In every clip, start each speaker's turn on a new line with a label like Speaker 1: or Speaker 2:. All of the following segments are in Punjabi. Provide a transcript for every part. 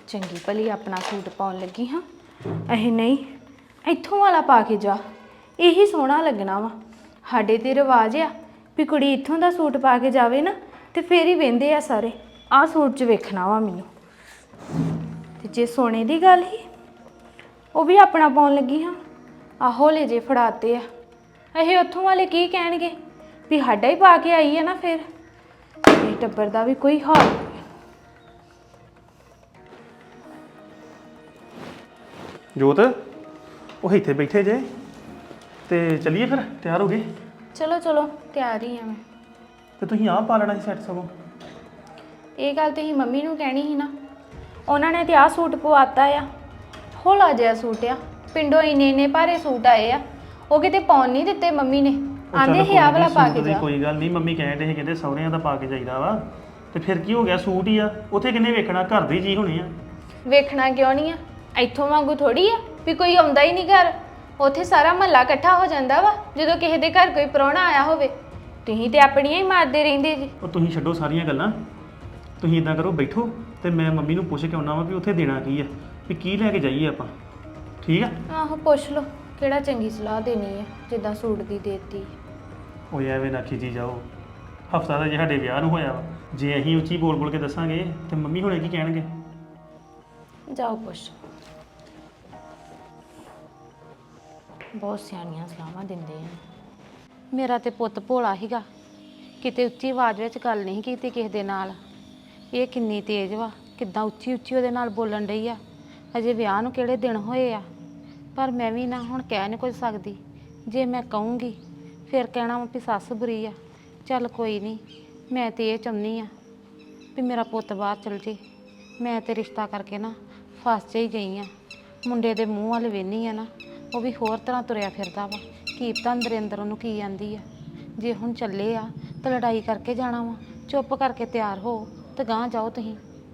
Speaker 1: ਚੰਗੀ ਭਲੀ ਆਪਣਾ ਸੂਟ ਪਾਉਣ ਲੱਗੀ ਹਾਂ। ਇਹ ਨਹੀਂ ਇੱਥੋਂ ਵਾਲਾ ਪਾ ਕੇ ਜਾ, ਇਹੀ ਸੋਹਣਾ ਲੱਗਣਾ ਵਾ। ਸਾਡੇ ਤੇ ਰਿਵਾਜ ਆ ਵੀ ਕੁੜੀ ਇੱਥੋਂ ਦਾ ਸੂਟ ਪਾ ਕੇ ਜਾਵੇ ਨਾ ਤੇ ਫੇਰ ਹੀ ਵਹਿੰਦੇ ਆ ਸਾਰੇ, ਆਹ ਸੂਟ 'ਚ ਵੇਖਣਾ ਵਾ ਮੈਨੂੰ। ਤੇ ਜੇ ਸੋਨੇ ਦੀ ਗੱਲ ਹੀ ਉਹ ਵੀ ਆਪਣਾ ਪਾਉਣ ਲੱਗੀ ਹਾਂ, ਆਹੋ ਲੈ ਜੇ ਫੜਾਤੇ ਆ। ਇਹ ਉੱਥੋਂ ਵਾਲੇ ਕੀ ਕਹਿਣਗੇ ਵੀ ਸਾਡਾ ਹੀ ਪਾ ਕੇ ਆਈ ਹੈ ਨਾ, ਫਿਰ ਇਹ ਟੱਬਰ ਦਾ ਵੀ ਕੋਈ ਹਾਲ ਨਹੀਂ।
Speaker 2: ਜੋਤ ਉਹ ਇੱਥੇ ਬੈਠੇ ਜੇ ਤੇ ਚੱਲੀਏ ਫਿਰ, ਤਿਆਰ ਹੋ ਗਏ?
Speaker 1: ਚਲੋ ਚਲੋ ਤਿਆਰ ਹੀ ਆ ਮੈਂ।
Speaker 2: ਤੇ ਤੁਸੀਂ ਆਹ ਪਾ ਲੈਣਾ ਸੀ ਸੈੱਟ ਸਗੋਂ।
Speaker 1: ਇਹ ਗੱਲ ਤੁਸੀਂ ਮੰਮੀ ਨੂੰ ਕਹਿਣੀ ਸੀ ਨਾ, ਉਹਨਾਂ ਨੇ ਤੇ ਆਹ ਸੂਟ ਪਵਾਤਾ ਆ। ਹੌਲਾ ਜਿਹਾ ਸੂਟ ਆ, ਪਿੰਡੋਂ ਇੰਨੇ ਭਾਰੇ ਸੂਟ ਆਏ ਆ, ਉਹ ਕਿਤੇ ਪਾਉਣ ਨਹੀਂ ਦਿੱਤੇ ਮੰਮੀ ਨੇ। ਆਂਦੇ ਹੀ ਆਹ ਵਾਲਾ ਪਾ ਕੇ ਜਾ।
Speaker 2: ਕੋਈ ਗੱਲ ਨਹੀਂ, ਮੰਮੀ ਕਹਿੰਦੇ ਸੀ ਕਹਿੰਦੇ ਸਹੁਰਿਆਂ ਦਾ ਪਾ ਕੇ ਜਾਈਦਾ ਵਾ, ਤੇ ਫਿਰ ਕੀ ਹੋ ਗਿਆ, ਸੂਟ ਹੀ ਆ, ਉੱਥੇ ਕਿੰਨੇ ਵੇਖਣਾ, ਘਰ ਦੇ ਜੀ ਹੋਣੇ ਆ।
Speaker 1: ਵੇਖਣਾ ਕਿਉਂ ਨਹੀਂ ਆ, ਇੱਥੋਂ ਵਾਂਗੂ ਥੋੜੀ ਆ ਵੀ ਕੋਈ ਆਉਂਦਾ ਹੀ ਨਹੀਂ ਘਰ। ਉੱਥੇ ਸਾਰਾ ਮਹੱਲਾ ਇਕੱਠਾ ਹੋ ਜਾਂਦਾ ਵਾ ਜਦੋਂ ਕਿਸੇ ਦੇ ਘਰ ਕੋਈ ਪ੍ਰਾਹੁਣਾ ਆਇਆ ਹੋਵੇ। ਤੁਸੀਂ ਤੇ ਆਪਣੀਆਂ ਹੀ ਮਾਰਦੇ ਰਹਿੰਦੇ ਜੀ।
Speaker 2: ਉਹ ਤੁਸੀਂ ਛੱਡੋ ਸਾਰੀਆਂ ਗੱਲਾਂ, ਤੁਸੀਂ ਇਦਾਂ ਕਰੋ, ਬੈਠੋ ਤੇ ਮੈਂ ਮੰਮੀ ਨੂੰ ਪੁੱਛ ਕੇ ਆਉਣਾ ਵਾ ਵੀ ਉੱਥੇ ਦੇਣਾ ਕੀ ਆ, ਵੀ ਕੀ ਲੈ ਕੇ ਜਾਈਏ ਆਪਾਂ। ਠੀਕ ਆ?
Speaker 1: ਆਹੋ ਪੁੱਛ ਲਓ, ਕਿਹੜਾ ਚੰਗੀ ਸਲਾਹ ਦੇਣੀ ਹੈ ਜਿੱਦਾਂ ਸੂਟ ਦੀ ਦੇਤੀ।
Speaker 2: ਉਹ ਐਵੇਂ ਨਾ ਖਿਜੀ ਜਾਓ, ਹਫਤਾ ਦਾ ਜੇ ਸਾਡੇ ਵਿਆਹ ਨੂੰ ਹੋਇਆ ਵਾ, ਜੇ ਅਸੀਂ ਉੱਚੀ ਬੋਲ ਬੋਲ ਕੇ ਦੱਸਾਂਗੇ ਤੇ ਮੰਮੀ ਹੁਣੇ ਕੀ ਕਹਿਣਗੇ।
Speaker 1: ਜਾਓ ਪੁੱਛ। ਬਹੁਤ ਸਿਆਣੀਆਂ ਸਲਾਹਾਂ ਦਿੰਦੇ ਆ। ਮੇਰਾ ਤੇ ਪੁੱਤ ਭੋਲਾ ਸੀਗਾ, ਕਿਤੇ ਉੱਚੀ ਆਵਾਜ਼ ਵਿੱਚ ਗੱਲ ਨਹੀਂ ਕੀਤੀ ਕਿਸੇ ਦੇ ਨਾਲ। ਇਹ ਕਿੰਨੀ ਤੇਜ਼ ਵਾ, ਕਿੱਦਾਂ ਉੱਚੀ ਉੱਚੀ ਉਹਦੇ ਨਾਲ ਬੋਲਣ ਰਹੀ ਆ। ਅਜੇ ਵਿਆਹ ਨੂੰ ਕਿਹੜੇ ਦਿਨ ਹੋਏ ਆ, ਪਰ ਮੈਂ ਵੀ ਨਾ ਹੁਣ ਕਹਿ ਨਹੀਂ ਕੁਝ ਸਕਦੀ। ਜੇ ਮੈਂ ਕਹੂੰਗੀ ਫਿਰ ਕਹਿਣਾ ਵਾ ਵੀ ਸੱਸ ਬੁਰੀ ਆ। ਚੱਲ ਕੋਈ ਨਹੀਂ, ਮੈਂ ਤੇ ਇਹ ਚਾਹੁੰਦੀ ਆ ਵੀ ਮੇਰਾ ਪੁੱਤ ਬਾਹਰ ਚਲ ਜੇ। ਮੈਂ ਤੇ ਰਿਸ਼ਤਾ ਕਰਕੇ ਨਾ ਫਸ ਹੀ ਗਈ ਆ। ਮੁੰਡੇ ਦੇ ਮੂੰਹ ਵੱਲ ਵੇਖਦੀ ਆ ਨਾ, ਉਹ ਵੀ ਹੋਰ ਤਰ੍ਹਾਂ ਤੁਰਿਆ ਫਿਰਦਾ ਵਾ। ਕੀ ਪਤਾ ਅੰਦਰ ਅੰਦਰ ਉਹਨੂੰ ਕੀ ਆਂਦੀ ਆ। ਜੇ ਹੁਣ ਚੱਲੇ ਆ ਤਾਂ ਲੜਾਈ ਕਰਕੇ ਜਾਣਾ ਵਾ। ਚੁੱਪ ਕਰਕੇ ਤਿਆਰ ਹੋ ਤੇ ਗਾਂਹ ਜਾਓ ਤੁਸੀਂ।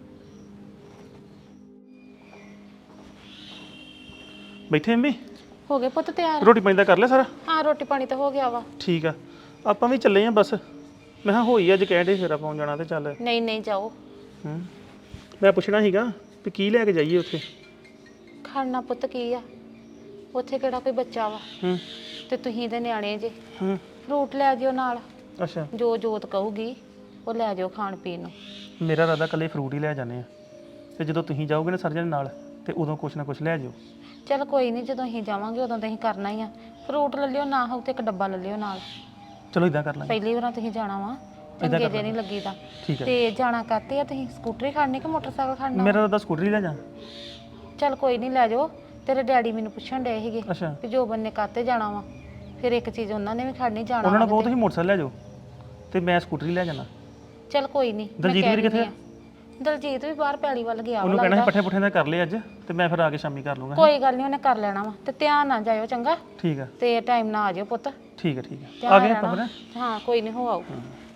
Speaker 2: ਬੈਠੇ ਮੰਮੀ?
Speaker 1: ਹੋ ਗਏ ਪੁੱਤ ਤਿਆਰ?
Speaker 2: ਰੋਟੀ ਪਾਣੀ ਦਾ ਕਰ ਲਿਆ ਸਾਰਾ?
Speaker 1: ਹਾਂ ਰੋਟੀ ਪਾਣੀ ਤਾਂ ਹੋ ਗਿਆ ਵਾ।
Speaker 2: ਠੀਕ ਆ, ਆਪਾਂ ਵੀ ਚੱਲੇ ਆ ਬਸ। ਮੈਂ ਕਿਹਾ ਹੋਈ ਅੱਜ ਕਹਿੰਦੇ ਫੇਰਾ ਪਾਉਣ ਜਾਣਾ ਤੇ ਚੱਲ।
Speaker 1: ਨਹੀਂ ਨਹੀਂ ਜਾਓ।
Speaker 2: ਮੈਂ ਪੁੱਛਣਾ ਸੀਗਾ ਵੀ ਕੀ ਲੈ ਕੇ ਜਾਈਏ ਉੱਥੇ।
Speaker 1: ਖਾਣਾ ਪੁੱਤ ਕੀ ਆ, ਉੱਥੇ ਕਿਹੜਾ ਕੋਈ ਬੱਚਾ ਵਾ। ਤੇ ਤੁਸੀਂ ਦੇ ਨਿਆਣੇ ਜੇ। ਫਰੂਟ ਲੈ ਜਿਓ ਨਾਲ।
Speaker 2: ਅੱਛਾ,
Speaker 1: ਜੋ ਜੋਤ ਕਹੂਗੀ ਉਹ ਲੈ ਜਾਓ ਖਾਣ ਪੀਣ ਨੂੰ।
Speaker 2: ਮੇਰਾ ਇਰਾਦਾ ਇਕੱਲੇ ਫਰੂਟ ਹੀ ਲੈ ਜਾਂਦੇ ਆ, ਤੇ ਜਦੋਂ ਤੁਸੀਂ ਜਾਓਗੇ ਨਾ ਸਰਜਣ ਨਾਲ ਤੇ ਉਦੋਂ ਕੁਛ ਨਾ ਕੁਛ ਲੈ ਜਿਓ।
Speaker 1: ਚਲ ਕੋਈ ਨਹੀਂ, ਜਦੋਂ ਅਸੀਂ ਜਾਵਾਂਗੇ ਉਦੋਂ ਤਾਂ ਅਸੀਂ ਕਰਨਾ ਹੀ ਆ। ਫਰੂਟ ਲੈ ਲਿਓ, ਨਾ ਹੋਊ ਤੇ ਇੱਕ ਡੱਬਾ ਲੈ ਲਿਓ ਨਾਲ।
Speaker 2: ਚਲੋ ਇਦਾਂ ਕਰ ਲਾਂਗੇ।
Speaker 1: ਪਹਿਲੀ ਵਾਰ ਤੁਸੀਂ ਜਾਣਾ ਵਾ, ਚੰਗੇ ਜੇ ਨਹੀਂ ਲੱਗੀਦਾ।
Speaker 2: ਠੀਕ ਹੈ।
Speaker 1: ਤੇ ਜਾਣਾ ਕਰਤੇ ਆ ਤੁਸੀਂ, ਸਕੂਟਰੀ ਖੜਨੀ ਕਿ ਮੋਟਰਸਾਈਕਲ ਖੜਨਾ?
Speaker 2: ਮੇਰਾ ਇਰਾਦਾ ਸਕੂਟਰੀ ਲੈ ਜਾ।
Speaker 1: ਚਲ ਕੋਈ ਨਹੀਂ ਲੈ ਜਾਓ। ਤੇਰੇ ਡੈਡੀ ਮੈਨੂੰ ਪੁੱਛਣ ਡਏ ਸੀਗੇ
Speaker 2: ਅੱਛਾ,
Speaker 1: ਕਿ ਜੋ ਬੰਨੇ ਕਾਤੇ ਜਾਣਾ ਵਾ, ਫਿਰ ਇੱਕ ਚੀਜ਼ ਉਹਨਾਂ ਨੇ ਵੀ ਖੜਨੀ ਜਾਣਾ।
Speaker 2: ਉਹਨਾਂ ਨੇ ਬਹੁਤ ਹੀ ਮੋਟਰਸਾਈਕਲ ਲੈ ਜਾਓ ਤੇ ਮੈਂ ਸਕੂਟਰੀ ਲੈ ਜਾਣਾ।
Speaker 1: ਚਲ ਕੋਈ ਨਹੀਂ।
Speaker 2: ਦਲਜੀਤ ਵੀਰ ਕਿੱਥੇ ਆ?
Speaker 1: ਦਲਜੀਤ ਵੀ ਬਾਹਰ ਪੈਲੀ ਵੱਲ ਗਿਆ।
Speaker 2: ਉਹਨੂੰ ਕਹਿਣਾ ਪੱਠੇ ਪੁੱਠੇ ਦਾ ਕਰ ਲਿਆ ਅੱਜ, ਤੇ ਮੈਂ ਫਿਰ ਆ ਕੇ ਸ਼ਾਮੀ ਕਰ ਲੂੰਗਾ।
Speaker 1: ਕੋਈ ਗੱਲ ਨਹੀਂ, ਉਹਨੇ ਕਰ ਲੈਣਾ ਵਾ। ਤੇ ਧਿਆਨ ਨਾਲ ਜਾਇਓ ਚੰਗਾ।
Speaker 2: ਠੀਕ ਆ।
Speaker 1: ਤੇ ਟਾਈਮ ਨਾਲ ਆ ਜਾਇਓ ਪੁੱਤ।
Speaker 2: ਠੀਕ ਆ ਠੀਕ ਆ, ਆ ਗਏ ਆਪਾਂ ਫਿਰ।
Speaker 1: ਹਾਂ ਕੋਈ ਨਹੀਂ, ਹੋ ਆਓ।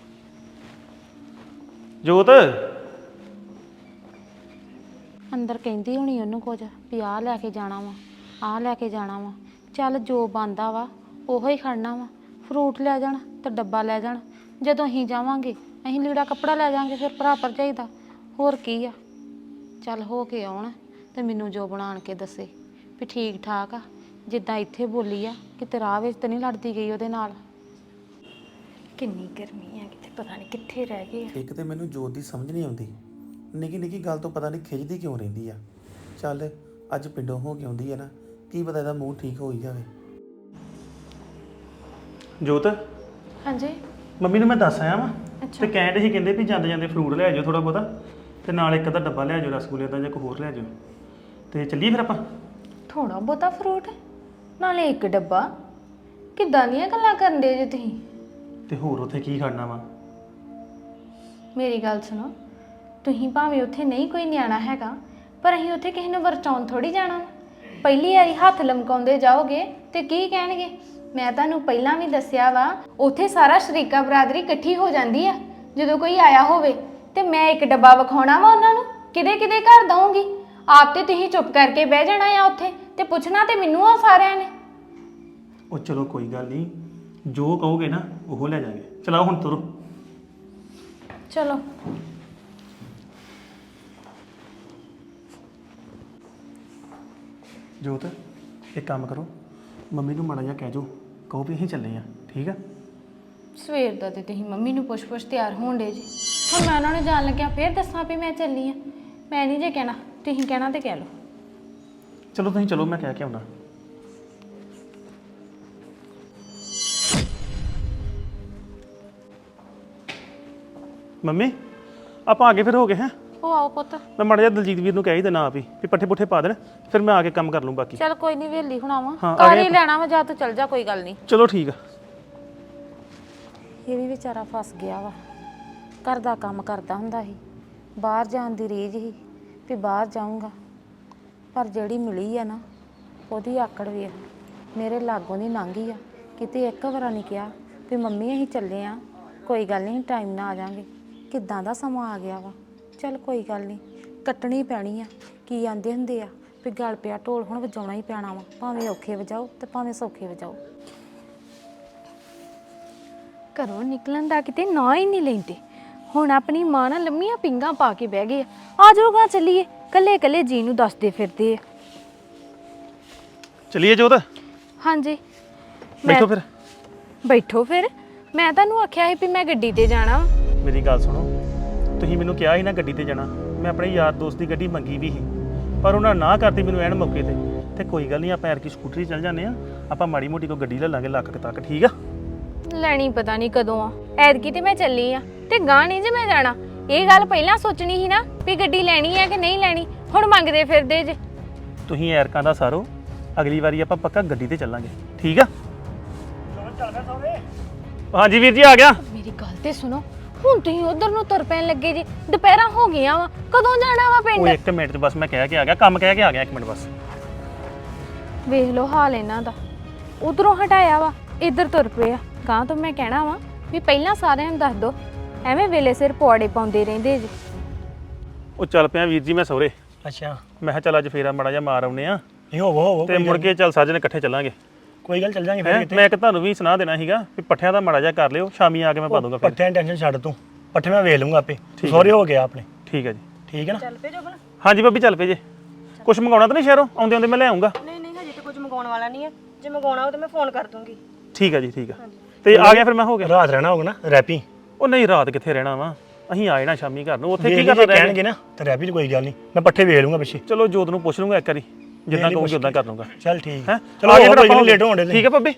Speaker 2: ਜੋਤ
Speaker 1: ਅੰਦਰ ਕਹਿੰਦੀ ਹੋਣੀ ਉਹਨੂੰ ਕੁਝ ਵੀ ਆਹ ਲੈ ਕੇ ਜਾਣਾ ਵਾ, ਆਹ ਲੈ ਕੇ ਜਾਣਾ ਵਾ। ਚੱਲ ਜੋ ਬਣਦਾ ਵਾ ਉਹੋ ਹੀ ਖੜਨਾ ਵਾ। ਫਰੂਟ ਲੈ ਜਾਣ ਤੇ ਡੱਬਾ ਲੈ ਜਾਣ। ਜਦੋਂ ਅਸੀਂ ਜਾਵਾਂਗੇ ਅਸੀਂ ਲੀੜਾ ਕੱਪੜਾ ਲੈ ਜਾਵਾਂਗੇ, ਫਿਰ ਭਰਾ ਭਰਜਾਈ ਦਾ। ਹੋਰ ਕੀ ਆ। ਚੱਲ ਹੋ ਕੇ ਆਉਣ ਤੇ ਮੈਨੂੰ ਜੋ ਬਣਾਣ ਕੇ ਦੱਸੇ ਵੀ ਠੀਕ ਠਾਕ ਆ। ਜਿੱਦਾਂ ਇੱਥੇ ਬੋਲੀ ਆ ਕਿਤੇ ਰਾਹ ਵਿੱਚ ਤਾਂ ਨਹੀਂ ਲੜਦੀ ਗਈ ਉਹਦੇ ਨਾਲ। ਕਿੰਨੀ ਗਰਮੀ ਆ, ਕਿਤੇ ਪਤਾ ਨਹੀਂ ਕਿੱਥੇ ਰਹਿ ਗਏ।
Speaker 3: ਇੱਕ ਤੇ ਮੈਨੂੰ ਜੋਤ ਦੀ ਸਮਝ ਨਹੀਂ ਆਉਂਦੀ, ਨਿੱਕੀ ਨਿੱਕੀ ਗੱਲ ਤੋਂ ਪਤਾ ਨਹੀਂ ਖਿੱਚਦੀ ਕਿਉਂ ਰਹਿੰਦੀ ਆ। ਚੱਲ ਅੱਜ ਪਿੰਡੋਂ ਹੋ ਕੇ ਆਉਂਦੀ ਆ ਨਾ, ਕੀ ਪਤਾ ਇਹਦਾ ਮੂਡ ਠੀਕ ਹੋ ਹੀ ਜਾਵੇ।
Speaker 2: ਜੋਤ,
Speaker 1: ਹਾਂਜੀ
Speaker 2: ਮੰਮੀ ਨੂੰ ਮੈਂ ਦੱਸ ਆਇਆ ਵਾਂ
Speaker 1: ਅੱਛਾ।
Speaker 2: ਤੇ ਕਹਿੰਦੇ ਸੀ ਕਹਿੰਦੇ ਵੀ ਜਾਂਦੇ ਜਾਂਦੇ ਫਰੂਟ ਲੈ ਜਾਓ ਥੋੜਾ ਬਹੁਤਾ, ਤੇ ਨਾਲ ਇੱਕ ਅੱਧਾ ਡੱਬਾ ਲੈ ਜਾਓ ਰਸਗੁੱਲੇ ਦਾ ਜਾਂ ਕੋਈ ਹੋਰ ਲੈ ਜਾਓ। ਤੇ ਚੱਲੀਏ ਫਿਰ ਆਪਾਂ।
Speaker 1: ਥੋੜਾ ਬਹੁਤਾ ਫਰੂਟ ਨਾਲੇ ਇੱਕ ਡੱਬਾ? ਕਿੱਦਾਂ ਦੀਆਂ ਗੱਲਾਂ ਕਰਨ ਦੇ ਜੇ ਤੁਸੀਂ?
Speaker 2: ਤੇ ਹੋਰ ਉੱਥੇ ਕੀ ਖੜਨਾ ਵਾ?
Speaker 1: ਮੇਰੀ ਗੱਲ ਸੁਣੋ, ਤੁਸੀਂ ਭਾਵੇਂ ਉੱਥੇ ਨਹੀਂ ਕੋਈ ਨਿਆਣਾ ਹੈਗਾ, ਪਰ ਅਸੀਂ ਉੱਥੇ ਕਿਸੇ ਨੂੰ ਵਰਚਾਉਣ ਥੋੜੀ ਜਾਣਾ। ਪਹਿਲੀ ਵਾਰੀ ਹੱਥ ਲਮਕਾਉਂਦੇ ਜਾਓਗੇ ਤੇ ਕੀ ਕਹਿਣਗੇ? ਮੈਂ ਤੁਹਾਨੂੰ ਪਹਿਲਾਂ ਵੀ ਦੱਸਿਆ ਵਾ, ਉੱਥੇ ਸਾਰਾ ਸ਼ਰੀਕਾ ਬਰਾਦਰੀ ਇਕੱਠੀ ਹੋ ਜਾਂਦੀ ਆ ਜਦੋਂ ਕੋਈ ਆਇਆ ਹੋਵੇ। ਤੇ ਮੈਂ ਇੱਕ ਡੱਬਾ ਵਿਖਾਉਣਾ ਵਾ ਉਹਨਾਂ ਨੂੰ, ਕਿਹਦੇ ਕਿਹਦੇ ਘਰ ਦਊਂਗੀ? ਆਪ ਤੇ ਤੁਸੀਂ ਚੁੱਪ ਕਰਕੇ ਬਹਿ ਜਾਣਾ ਆ ਉੱਥੇ, ਤੇ ਪੁੱਛਣਾ ਤੇ ਮੈਨੂੰ ਆ ਸਾਰਿਆਂ ਨੇ।
Speaker 2: ਉਹ ਚਲੋ ਕੋਈ ਗੱਲ ਨਹੀਂ, ਜੋ ਕਹੋਗੇ ਨਾ ਉਹ ਲੈ ਜਾਗੇ। ਚਲਾਓ ਹੁਣ ਤੁਰੋ।
Speaker 1: ਚਲੋ
Speaker 2: ਜੋਤ ਇੱਕ ਕੰਮ ਕਰੋ, ਮੰਮੀ ਨੂੰ ਮਾੜਾ ਜਿਹਾ ਕਹਿ ਜੋ, ਕਹੋ ਵੀ ਅਸੀਂ ਚੱਲੇ ਆ, ਠੀਕ ਆ?
Speaker 1: ਸਵੇਰ ਦਾ ਤੇ ਤੁਸੀਂ ਮੰਮੀ ਨੂੰ ਪੁੱਛ ਤਿਆਰ ਹੋਣ ਡੇ ਜੀ। ਹੁਣ ਮੈਂ ਉਹਨਾਂ ਨੂੰ ਜਾਣ ਲੱਗਿਆ ਫੇਰ ਦੱਸਾਂ ਵੀ ਮੈਂ ਚੱਲੀ ਆ? ਮੈਂ ਨਹੀਂ ਜੇ ਕਹਿਣਾ, ਤੁਸੀਂ ਕਹਿਣਾ ਤੇ ਕਹਿ ਲਓ।
Speaker 2: ਚਲੋ ਤੁਸੀਂ ਚਲੋ, ਮੈਂ ਕਹਿ ਕੇ ਆਉਣਾ। ਮੰਮੀ ਆਪਾਂ ਅੱਗੇ ਫਿਰ ਹੋ ਗਏ ਹੈਂ?
Speaker 1: ਉਹ ਆਓ ਪੁੱਤ।
Speaker 2: ਮੈਂ ਮਾੜਾ ਜਿਹਾ ਦਲਜੀਤ ਵੀਰ ਨੂੰ ਕਹਿ ਹੀ ਦੇਣਾ ਆਪ ਹੀ ਵੀ ਪੱਠੇ ਪੁੱਠੇ ਪਾ ਦੇਣ, ਫਿਰ ਮੈਂ ਆ ਕੇ ਕੰਮ ਕਰ ਲੂੰ ਬਾਕੀ।
Speaker 1: ਚੱਲ ਕੋਈ ਨਹੀਂ, ਵੇਲੀ ਹੁਣ ਆਵਾਂ,
Speaker 2: ਹਾਂ, ਆ
Speaker 1: ਕਰ
Speaker 2: ਗਏ
Speaker 1: ਹੀ ਲੈਣਾ ਵਾ, ਜਾਂ ਤੂੰ ਚੱਲ ਜਾ, ਕੋਈ ਗੱਲ ਨਹੀਂ।
Speaker 2: ਚਲੋ ਠੀਕ ਆ।
Speaker 1: ਇਹ ਵੀ ਵਿਚਾਰਾ ਫਸ ਗਿਆ ਵਾ। ਘਰ ਦਾ ਕੰਮ ਕਰਦਾ ਹੁੰਦਾ ਸੀ, ਬਾਹਰ ਜਾਣ ਦੀ ਰੀਝ ਸੀ ਵੀ ਬਾਹਰ ਜਾਊਂਗਾ, ਪਰ ਜਿਹੜੀ ਮਿਲੀ ਆ ਨਾ ਉਹਦੀ ਆਕੜ ਵੇਖ, ਮੇਰੇ ਲਾਗੋਂ ਦੀ ਲੰਘੀ ਆ। ਕਿਤੇ ਇੱਕ ਵਾਰ ਨਹੀਂ ਕਿਹਾ ਵੀ ਮੰਮੀ ਅਸੀਂ ਚੱਲੇ ਆ, ਕੋਈ ਗੱਲ ਨਹੀਂ ਟਾਈਮ ਨਾਲ ਆ ਜਾਾਂਗੇ। ਕਿੱਦਾਂ ਦਾ ਸਮਾਂ ਆ ਗਿਆ ਵਾ। ਚੱਲ ਕੋਈ ਗੱਲ ਨਹੀਂ, ਕੱਟਣੀ ਪੈਣੀ ਆ। ਕੀ ਆਂਦੇ ਹੁੰਦੇ ਆ ਵੀ ਗਲ ਪਿਆ ਢੋਲ ਹੁਣ ਵਜਾਉਣਾ ਹੀ ਪੈਣਾ ਵਾ, ਭਾਵੇਂ ਔਖੇ ਵਜਾਓ ਤੇ ਭਾਵੇਂ ਸੌਖੇ ਵਜਾਓ।
Speaker 4: ਘਰੋਂ ਨਿਕਲਣ ਦਾ ਕਿਤੇ ਨਾਂ ਹੀ ਨਹੀਂ ਲੈਂਦੇ। ਹੁਣ ਆਪਣੀ ਮਾਂ ਨਾਲ ਲੰਮੀਆਂ ਪਿੰਗਾਂ ਪਾ ਕੇ ਬਹਿ ਗਏ ਆ ਜਾਓਗਾ ਚੱਲੀਏ, ਕੱਲੇ ਕੱਲੇ ਜੀ ਨੂੰ ਦੱਸਦੇ ਫਿਰਦੇ ਆ।
Speaker 2: ਚਲਿਏ ਜੋਤ,
Speaker 4: ਹਾਂਜੀ
Speaker 2: ਬੈਠੋ ਫਿਰ।
Speaker 4: ਬੈਠੋ ਫਿਰ, ਮੈਂ ਤੁਹਾਨੂੰ ਆਖਿਆ ਸੀ ਵੀ ਮੈਂ ਗੱਡੀ ਤੇ ਜਾਣਾ ਵਾ।
Speaker 2: ਮੇਰੀ ਗੱਲ ਸੁਣੋ, ਤੁਸੀਂ ਮੈਨੂੰ ਕਿਹਾ ਸੀ ਨਾ ਗੱਡੀ ਤੇ ਜਾਣਾ, ਮੈਂ ਆਪਣੇ ਯਾਰ ਦੋਸਤ ਦੀ ਗੱਡੀ ਮੰਗੀ ਵੀ ਸੀ, ਪਰ ਉਹਨਾਂ ਨਾ ਕਰਤੀ ਮੈਨੂੰ ਐਨ ਮੌਕੇ ਤੇ ਕੋਈ ਗੱਲ ਨਹੀਂ, ਆਪਾਂ ਐਰ ਕੀ ਸਕੂਟਰੀ ਚੱਲ ਜਾਂਦੇ ਆ, ਆਪਾਂ ਮਾੜੀ ਮੋਟੀ ਕੋ ਗੱਡੀ ਲੈ ਲਾਂਗੇ ਲੱਖ ਕੁ ਤੱਕ, ਠੀਕ ਆ?
Speaker 4: ਲੈਣੀ ਪਤਾ ਨਹੀਂ ਕਦੋਂ ਆ, ਐਤਕੀ ਤੇ ਮੈਂ ਚੱਲੀ ਆ ਤੇ ਗਾਂ ਨਹੀਂ ਜੇ ਮੈਂ ਜਾਣਾ। ਇਹ ਗੱਲ ਪਹਿਲਾਂ ਸੋਚਣੀ ਸੀ ਨਾ ਵੀ ਗੱਡੀ ਲੈਣੀ ਆ ਕਿ ਨਹੀਂ ਲੈਣੀ, ਹੁਣ ਮੰਗਦੇ ਫਿਰਦੇ ਜੇ।
Speaker 2: ਤੁਸੀਂ ਐਰਕਾਂ ਦਾ ਸਾਰੋ, ਅਗਲੀ ਵਾਰੀ ਆਪਾਂ ਪੱਕਾ ਗੱਡੀ ਤੇ ਚੱਲਾਂਗੇ, ਠੀਕ ਆ? ਹਾਂਜੀ ਵੀਰ ਜੀ, ਆ ਗਿਆ।
Speaker 4: ਮੇਰੀ ਗੱਲ ਤੇ ਸੁਣੋ, ਹੁਣ ਤੁਸੀਂ ਉਧਰ ਨੂੰ ਤੁਰ ਪੈਣ ਲੱਗੇ ਜੀ, ਦੁਪਹਿਰਾਂ ਹੋ ਗਈਆਂ ਵਾ, ਕਦੋਂ ਜਾਣਾ ਵਾ
Speaker 2: ਉਹ
Speaker 4: ਪਿੰਡ?
Speaker 2: 1 ਮਿੰਟ ਚ ਬਸ ਮੈਂ ਕਹਿ ਕੇ ਆ ਗਿਆ, ਕੰਮ ਕਹਿ ਕੇ ਆ ਗਿਆ, 1 ਮਿੰਟ ਬਸ।
Speaker 4: ਵੇਖ ਲਓ ਹਾਲ ਇਹਨਾਂ ਦਾ, ਉਧਰੋਂ ਹਟਾਇਆ ਵਾ, ਇੱਧਰ ਤੁਰ ਪਿਆ। ਗਾਂ ਤੋਂ ਮੈਂ ਕਹਿਣਾ ਵਾ ਵੀ ਪਹਿਲਾਂ ਸਾਰਿਆਂ ਨੂੰ ਦੱਸ ਦੋ, ਐਵੇਂ ਵੇਲੇ ਸਿਰ ਪੌੜੇ ਪਾਉਂਦੇ ਰਹਿੰਦੇ ਜੀ।
Speaker 2: ਉਹ ਚੱਲ ਪਿਆ ਵੀਰ ਜੀ ਮੈਂ ਸਹੁਰੇ।
Speaker 5: ਅੱਛਾ,
Speaker 2: ਮੈਂ ਕਿਹਾ ਚੱਲ ਅੱਜ ਫੇਰਾ ਮਾੜਾ ਜਿਹਾ ਮਾਰ ਆਉਨੇ ਆ,
Speaker 5: ਨਹੀਂ ਹੋਵੋ
Speaker 2: ਤੇ ਮੁੜ ਕੇ ਚੱਲ ਸਾਜਣ ਇਕੱਠੇ ਚੱਲਾਂਗੇ।
Speaker 5: ਕੋਈ ਗੱਲ ਚੱਲ ਜਾਾਂਗੇ
Speaker 2: ਹੈਂ?
Speaker 5: ਫਿਰ ਕਿਤੇ।
Speaker 2: ਮੈਂ ਇੱਕ ਤੁਹਾਨੂੰ ਵੀ ਸੁਣਾ ਦੇਣਾ ਸੀਗਾ ਵੀ ਪੱਠਿਆਂ ਦਾ ਮਾੜਾ ਜਿਹਾ ਕਰ ਲਿਓ, ਸ਼ਾਮੀ ਆ ਕੇ ਮੈਂ ਪਾ ਦੂੰਗਾ ਫਿਰ।
Speaker 5: ਪੱਠਿਆਂ ਦੀ ਟੈਨਸ਼ਨ ਛੱਡ ਤੂੰ, ਪੱਠੇ ਮੈਂ ਵੇਚ ਲੂੰਗਾ ਆਪੇ,
Speaker 2: ਹੈ।
Speaker 5: ਸਹੁਰੇ ਹੋ ਗਿਆ ਆਪਣੇ।
Speaker 2: ਠੀਕ ਹੈ ਜੀ।
Speaker 5: ਠੀਕ ਹੈ ਨਾ?
Speaker 6: ਚੱਲ ਪਏ ਜੋ ਭਲਾ?
Speaker 2: ਹਾਂਜੀ ਭਾਬੀ ਚੱਲ ਪਏ ਜੇ। ਕੁਛ ਮੰਗਾਉਣਾ ਤਾਂ ਨਹੀਂ ਸ਼ਹਿਰੋਂ? ਆਉਂਦੇ ਆਉਂਦੇ ਮੈਂ ਲੈ ਆਉਂਗਾ।
Speaker 6: ਨਹੀਂ ਨਹੀਂ, ਹਜੇ ਤਾਂ ਕੁਝ ਮੰਗਾਉਣ ਵਾਲਾ ਨਹੀਂ ਹੈ। ਜੇ ਮੰਗਾਉਣਾ ਹੋ ਤਾਂ ਮੈਂ ਫੋਨ ਕਰ ਦੂੰਗੀ।
Speaker 2: ਠੀਕ ਹੈ ਜੀ, ਠੀਕ ਹੈ। ਤੇ ਆ ਗਿਆ ਫਿਰ ਮੈਂ ਹੋ ਗਿਆ।
Speaker 5: ਰਾਤ ਰਹਿਣਾ ਹੋਗਾ ਨਾ ਰੈਪੀ?
Speaker 2: ਉਹ ਨਹੀਂ, ਰਾਤ ਕਿੱਥੇ ਰਹਿਣਾ ਵਾ, ਅਸੀਂ ਆ ਜਾਣਾ ਸ਼ਾਮੀ ਘਰ ਨੂੰ। ਉੱਥੇ ਕੀ
Speaker 5: ਵੇਖ
Speaker 2: ਕਰਨਾ
Speaker 5: ਜੇ
Speaker 2: ਰਹਿ
Speaker 5: ਕਹਿਣਗੇ ਨਾ ਤੇ ਰੈਪੀ 'ਚ ਕੋਈ ਗੱਲ ਨਹੀਂ, ਮੈਂ ਪੱਠੇ ਵੇਚ ਲੂੰਗਾ ਪਿੱਛੇ।
Speaker 2: ਚਲੋ ਜੋਤ ਨੂੰ ਪੁੱਛ ਲੂੰਗਾ ਇੱਕ ਵਾਰੀ, ਜਿੱਦਾਂ ਕਹੂੰਗੀ ਉਦਾਂ ਕਰ ਲੂੰਗਾ।
Speaker 5: ਚੱਲ ਠੀਕ
Speaker 2: ਹੈ,
Speaker 5: ਚਲੋ ਆ ਗਿਆ ਫਿਰ, ਲੇਟ ਹੋਣ ਦੇ।
Speaker 2: ਠੀਕ ਹੈ ਭਾਬੀ।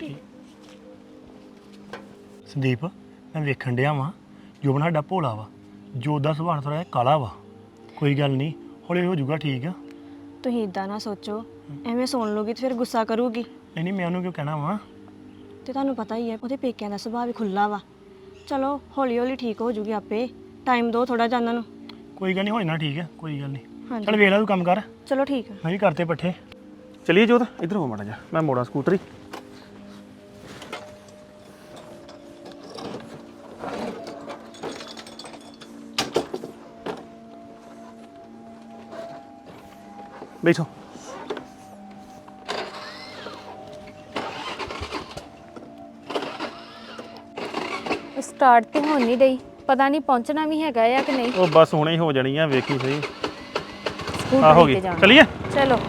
Speaker 5: ਸੰਦੀਪ, ਮੈਂ ਵੇਖਣ ਡਿਆ ਵਾਂ, ਜੋਬਨ ਸਾਡਾ ਭੋਲਾ ਵਾ, ਜੋਤ ਦਾ ਸੁਭਾਅ ਥੋੜਾ ਜਿਹਾ ਕਾਲਾ ਵਾ। ਕੋਈ ਗੱਲ ਨਹੀਂ, ਹੌਲੀ ਹੋ ਜਾਊਗਾ ਠੀਕ ਆ।
Speaker 6: ਤੁਸੀਂ ਇਦਾਂ ਨਾ ਸੋਚੋ, ਐਵੇਂ ਸੁਣ ਲਓਗੀ ਤੇ ਫਿਰ ਗੁੱਸਾ ਕਰੂਗੀ।
Speaker 5: ਨਹੀਂ ਮੈਂ ਉਹਨੂੰ ਕਿਉਂ ਕਹਿਣਾ ਵਾ?
Speaker 6: ਤੇ ਤੁਹਾਨੂੰ ਪਤਾ ਹੀ ਹੈ ਉਹਦੇ ਪੇਕਿਆਂ ਦਾ ਸੁਭਾਅ ਵੀ ਖੁੱਲਾ ਵਾ। ਚਲੋ ਹੌਲੀ ਹੌਲੀ ਠੀਕ ਹੋ ਜੂਗੀ ਆਪੇ, ਟਾਈਮ ਦਿਓ ਥੋੜਾ ਜਿਹਾ ਉਹਨਾਂ ਨੂੰ।
Speaker 5: ਕੋਈ ਗੱਲ ਨਹੀਂ, ਹੋ ਜਾਣਾ ਠੀਕ ਆ, ਕੋਈ ਗੱਲ ਨਹੀਂ।
Speaker 6: ਹਾਂਜੀ।
Speaker 5: ਚੱਲ ਵੇਖ ਲੈ ਤੂੰ ਕੰਮ ਕਰ,
Speaker 6: ਚਲੋ ਠੀਕ ਹੈ।
Speaker 5: ਮੈਂ ਵੀ ਕਰਤੇ ਪੱਠੇ।
Speaker 2: ਚਲਿਏ ਜੋਤ, ਇੱਧਰ ਹੋ ਮਾੜਾ ਜਿਹਾ, ਮੈਂ ਮੋੜਾਂ ਸਕੂਟਰੀ। ਬੈਠੋ।
Speaker 4: ਸਟਾਰਟ ਤੇ ਹੋਣ ਨਹੀਂ ਡਈ, ਪਤਾ ਨਹੀਂ ਪਹੁੰਚਣਾ ਵੀ ਹੈਗਾ ਆ ਕਿ ਨਹੀਂ।
Speaker 2: ਉਹ ਬਸ ਹੁਣੇ ਹੀ ਹੋ ਜਾਣੀ ਆ, ਵੇਖੀ ਸਹੀ। ਆ ਹੋ
Speaker 4: ਸਕੂਟਰੀ
Speaker 2: ਗਈ,
Speaker 4: ਤੇ ਜਾਣਾ।
Speaker 2: ਚਲਿਏ।
Speaker 4: ਚਲੋ।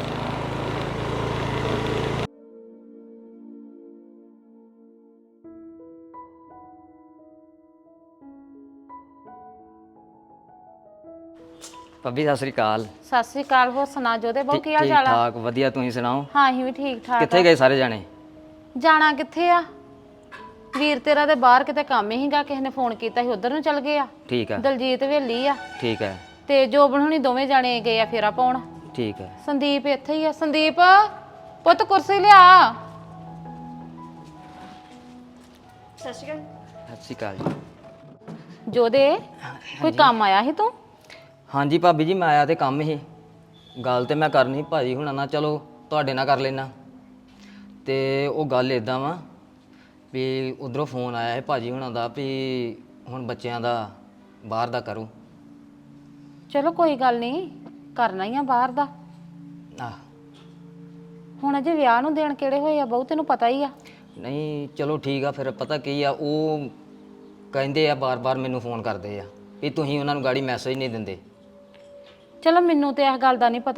Speaker 7: ਭਾਬੀ ਸਤਿ ਸ੍ਰੀ ਅਕਾਲ।
Speaker 1: ਸਤਿ ਸ੍ਰੀ ਅਕਾਲ। ਹੋਰ ਸੁਣਾ ਜੋਦੇ ਬਹੁ, ਕੀ ਹਾਲ
Speaker 7: ਠੀਕ
Speaker 1: ਚਾਲ ਆ?
Speaker 7: ਠਾਕ ਵਧੀਆ, ਤੁਸੀਂ ਸੁਣਾਓ?
Speaker 1: ਹਾਂ ਅਸੀਂ ਵੀ ਠੀਕ ਠਾਕ
Speaker 7: ਕਿੱਥੇ
Speaker 1: ਆ।
Speaker 7: ਗਏ ਸਾਰੇ ਜਾਣੇ?
Speaker 1: ਜਾਣਾ ਕਿੱਥੇ ਆ, ਵੀਰ ਤੇਰਾ ਦੇ ਬਾਹਰ ਕਿਤੇ ਕੰਮ ਹੀਗਾ, ਕਿਸੇ ਨੇ ਫੋਨ ਕੀਤਾ ਸੀ ਉਧਰ ਨੂੰ ਚਲ ਗਏ ਆ।
Speaker 7: ਠੀਕ ਹੈ,
Speaker 1: ਦਲਜੀਤ ਵੇਲੀ ਆ
Speaker 7: ਠੀਕ ਹੈ,
Speaker 1: ਤੇ ਜੋਬਨ ਹੁਣੀ ਦੋਵੇਂ ਜਾਣੇ ਗਏ ਆ ਫੇਰਾ ਪਾਉਣ।
Speaker 7: ਠੀਕ ਹੈ।
Speaker 1: ਸੰਦੀਪ ਇੱਥੇ ਹੀ ਆ। ਸੰਦੀਪ ਪੁੱਤ ਕੁਰਸੀ ਲਿਆ।
Speaker 6: ਸਤਿ ਸ਼੍ਰੀ ਅਕਾਲ।
Speaker 7: ਸਤਿ ਸ੍ਰੀ ਅਕਾਲ ਜੀ।
Speaker 1: ਜੋਦੇ ਕੋਈ ਕੰਮ ਆਇਆ ਸੀ ਤੂੰ?
Speaker 7: ਹਾਂਜੀ ਭਾਬੀ ਜੀ, ਮੈਂ ਆਇਆ ਤੇ ਕੰਮ ਹੀ, ਗੱਲ ਤੇ ਮੈਂ ਕਰਨੀ ਭਾਜੀ ਹੁਣਾਂ ਨਾਲ, ਚਲੋ ਤੁਹਾਡੇ ਨਾਲ ਕਰ ਲੈਣਾ। ਤੇ ਉਹ ਗੱਲ ਇਦਾਂ ਵਾ ਵੀ ਉਧਰੋਂ ਫੋਨ ਆਇਆ ਹੈ ਭਾਜੀ ਹੁਣਾਂ ਦਾ ਵੀ ਹੁਣ ਬੱਚਿਆਂ ਦਾ ਬਾਹਰ ਦਾ ਕਰੋ।
Speaker 1: ਚਲੋ ਕੋਈ ਗੱਲ ਨਹੀਂ, ਕਰਨਾ ਹੀ ਆ ਬਾਹਰ ਦਾ।
Speaker 7: ਆਹ
Speaker 1: ਹੁਣ ਅਜੇ ਵਿਆਹ ਨੂੰ ਦੇਣ ਕਿਹੜੇ ਹੋਏ ਆ ਬਹੁ, ਤੈਨੂੰ ਪਤਾ ਹੀ ਆ।
Speaker 7: ਨਹੀਂ ਚਲੋ ਠੀਕ ਆ, ਫਿਰ ਪਤਾ ਕੀ ਆ, ਉਹ ਕਹਿੰਦੇ ਆ ਬਾਰ-ਬਾਰ ਮੈਨੂੰ ਫੋਨ ਕਰਦੇ ਆ ਵੀ ਤੁਸੀਂ ਉਹਨਾਂ ਨੂੰ ਗਾੜੀ ਮੈਸੇਜ ਨਹੀਂ ਦਿੰਦੇ।
Speaker 1: ਚਲੋ ਮੈਨੂੰ ਤੇ ਇਸ ਗੱਲ ਦਾ ਨਹੀਂ ਪਤਾ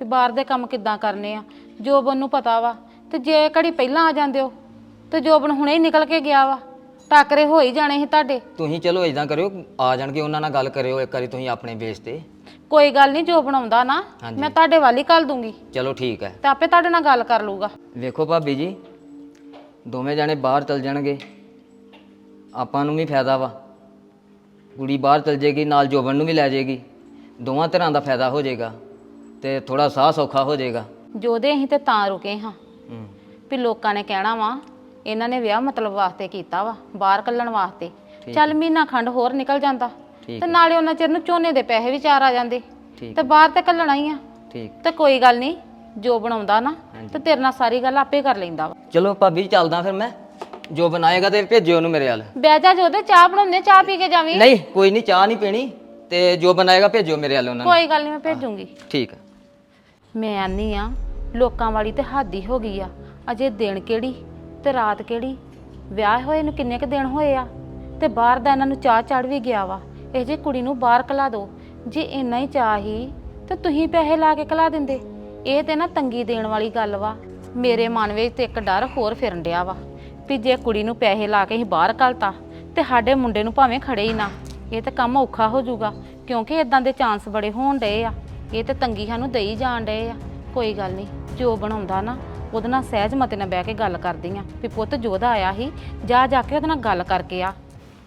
Speaker 1: ਵੀ ਬਾਹਰ ਦੇ ਕੰਮ ਕਿੱਦਾਂ ਕਰਨੇ ਆ। ਜੋਬਨ ਨੂੰ ਪਤਾ ਵਾ ਤੇ ਜੇ ਘੜੀ ਪਹਿਲਾਂ ਆ ਜਾਂਦੇ ਹੋ ਤੇ ਜੋਬਨ ਹੁਣੇ ਹੀ ਨਿਕਲ ਕੇ ਗਿਆ ਵਾ, ਟਾਕਰੇ ਹੋ ਹੀ ਜਾਣੇ ਸੀ ਤੁਹਾਡੇ।
Speaker 7: ਤੁਸੀਂ ਚਲੋ ਇਦਾਂ ਕਰਿਓ, ਆ ਜਾਣਗੇ ਉਹਨਾਂ ਨਾਲ ਗੱਲ ਕਰਿਓ ਇੱਕ ਵਾਰੀ ਤੁਸੀਂ ਆਪਣੇ ਬੇਸ ਤੇ।
Speaker 1: ਕੋਈ ਗੱਲ ਨਹੀਂ, ਜੋਬਨ ਆਉਂਦਾ ਨਾ ਮੈਂ ਤੁਹਾਡੇ ਵੱਲ ਹੀ ਘੱਲ ਦੂੰਗੀ
Speaker 7: ਚਲੋ ਠੀਕ ਹੈ।
Speaker 1: ਤੇ ਆਪੇ ਤੁਹਾਡੇ ਨਾਲ ਗੱਲ ਕਰ ਲੂਗਾ।
Speaker 7: ਵੇਖੋ ਭਾਬੀ ਜੀ, ਦੋਵੇਂ ਜਾਣੇ ਬਾਹਰ ਚਲ ਜਾਣਗੇ, ਆਪਾਂ ਨੂੰ ਵੀ ਫਾਇਦਾ ਵਾ। ਕੁੜੀ ਬਾਹਰ ਚਲ ਜਾਏਗੀ, ਨਾਲ ਜੋਬਨ ਨੂੰ ਵੀ ਲੈ ਜਾਏਗੀ, ਦੋਵਾਂ ਤਰ੍ਹਾਂ ਦਾ ਫਾਇਦਾ ਹੋ ਜਾਏਗਾ ਤੇ ਥੋੜਾ ਸਾਹ ਸੌਖਾ ਹੋ ਜਾਏਗਾ।
Speaker 1: ਜੋਦੇ ਅਸੀਂ ਤੇ ਤਾਂ ਰੁਕੇ ਹਾਂ ਵੀ ਲੋਕਾਂ ਨੇ ਕਹਿਣਾ ਵਾ ਇਹਨਾਂ ਨੇ ਵਿਆਹ ਮਤਲਬ ਵਾਸਤੇ ਕੀਤਾ ਵਾ, ਬਾਹਰ ਕੱਢਣ ਵਾਸਤੇ। ਚੱਲ ਮਹੀਨਾ ਖੰਡ ਹੋਰ ਨਿਕਲ ਜਾਂਦਾ ਤੇ ਨਾਲੇ ਉਹਨਾਂ ਚਿਰ ਨੂੰ ਝੋਨੇ ਦੇ ਪੈਸੇ ਵੀ ਚਾਰ ਆ ਜਾਂਦੇ ਤੇ ਬਾਹਰ ਤੇ ਕੱਢਣਾ ਹੀ ਆ।
Speaker 7: ਠੀਕ
Speaker 1: ਤੇ ਕੋਈ ਗੱਲ ਨਹੀਂ, ਜੋ ਬਣਾਉਂਦਾ ਨਾ ਤੇ ਤੇਰੇ ਨਾਲ ਸਾਰੀ ਗੱਲ ਆਪੇ ਕਰ ਲੈਂਦਾ ਵਾ।
Speaker 7: ਚਲੋ ਭਾਬੀ ਚੱਲਦਾ ਫਿਰ ਮੈਂ, ਜੋ ਬਣਾਏਗਾ ਤੇ ਭੇਜਿਓ ਉਹਨੂੰ ਮੇਰੇ ਵੱਲ।
Speaker 1: ਬਹਿ ਜਾ ਜੋਦੇ, ਚਾਹ ਬਣਾਉਂਦੇ, ਚਾਹ ਪੀ ਕੇ ਜਾਵੀਂ।
Speaker 7: ਨਹੀਂ ਕੋਈ ਨਹੀਂ, ਚਾਹ ਨਹੀਂ ਪੀਣੀ, ਤੇ ਜੋ ਬਣਾਏਗਾ ਭੇਜਿਓ ਮੇਰੇ ਵੱਲ ਉਹਨਾਂ ਨੂੰ।
Speaker 1: ਕੋਈ ਗੱਲ ਨਹੀਂ, ਮੈਂ ਭੇਜੂੰਗੀ।
Speaker 7: ਠੀਕ ਹੈ।
Speaker 1: ਮੈਂ ਆਨੀ ਆ ਲੋਕਾਂ ਵਾਲੀ ਤੇ ਹੱਦ ਹੀ ਹੋ ਗਈ ਆ। ਅਜੇ ਦਿਨ ਕਿਹੜੀ ਤੇ ਰਾਤ ਕਿਹੜੀ, ਵਿਆਹ ਹੋਏ ਨੂੰ ਕਿੰਨੇ ਕ ਦਿਨ ਹੋਏ ਆ ਤੇ ਬਾਹਰ ਦਾ ਇਹਨਾਂ ਨੂੰ ਚਾਹ ਚੜ ਵੀ ਗਿਆ ਵਾ। ਇਹ ਜੇ ਕੁੜੀ ਨੂੰ ਬਾਹਰ ਕਲਾ ਦੋ, ਜੇ ਇੰਨਾ ਹੀ ਚਾਹ ਹੀ ਤੇ ਤੁਸੀਂ ਪੈਸੇ ਲਾ ਕੇ ਕਲਾ ਦਿੰਦੇ। ਇਹ ਤੇ ਨਾ ਤੰਗੀ ਦੇਣ ਵਾਲੀ ਗੱਲ ਵਾ। ਮੇਰੇ ਮਨ ਵਿੱਚ ਤੇ ਇੱਕ ਡਰ ਹੋਰ ਫਿਰਨ ਡਿਆ ਵਾ ਵੀ ਜੇ ਕੁੜੀ ਨੂੰ ਪੈਸੇ ਲਾ ਕੇ ਅਸੀਂ ਬਾਹਰ ਘਲਤਾ ਤੇ ਸਾਡੇ ਮੁੰਡੇ ਨੂੰ ਭਾਵੇਂ ਖੜੇ ਹੀ ਨਾ, ਇਹ ਤਾਂ ਕੰਮ ਔਖਾ ਹੋ ਜਾਊਗਾ, ਕਿਉਂਕਿ ਇਦਾਂ ਦੇ ਚਾਂਸ ਬੜੇ ਹੋਣ ਡਏ ਆ। ਇਹ ਤੇ ਤੰਗੀ ਸਾਨੂੰ ਦੇਈ ਜਾਣ ਡਏ ਆ। ਕੋਈ ਗੱਲ ਨਹੀਂ, ਜੋ ਬਣਾਉਂਦਾ ਨਾ ਉਹਦੇ ਨਾਲ ਸਹਿਜ ਮਤੇ ਨਾਲ ਬਹਿ ਕੇ ਗੱਲ ਕਰਦੀ ਆ ਵੀ ਪੁੱਤ ਜੋਦਾ ਆਇਆ ਸੀ, ਜਾ ਕੇ ਉਹਦੇ ਨਾਲ ਗੱਲ ਕਰਕੇ ਆ।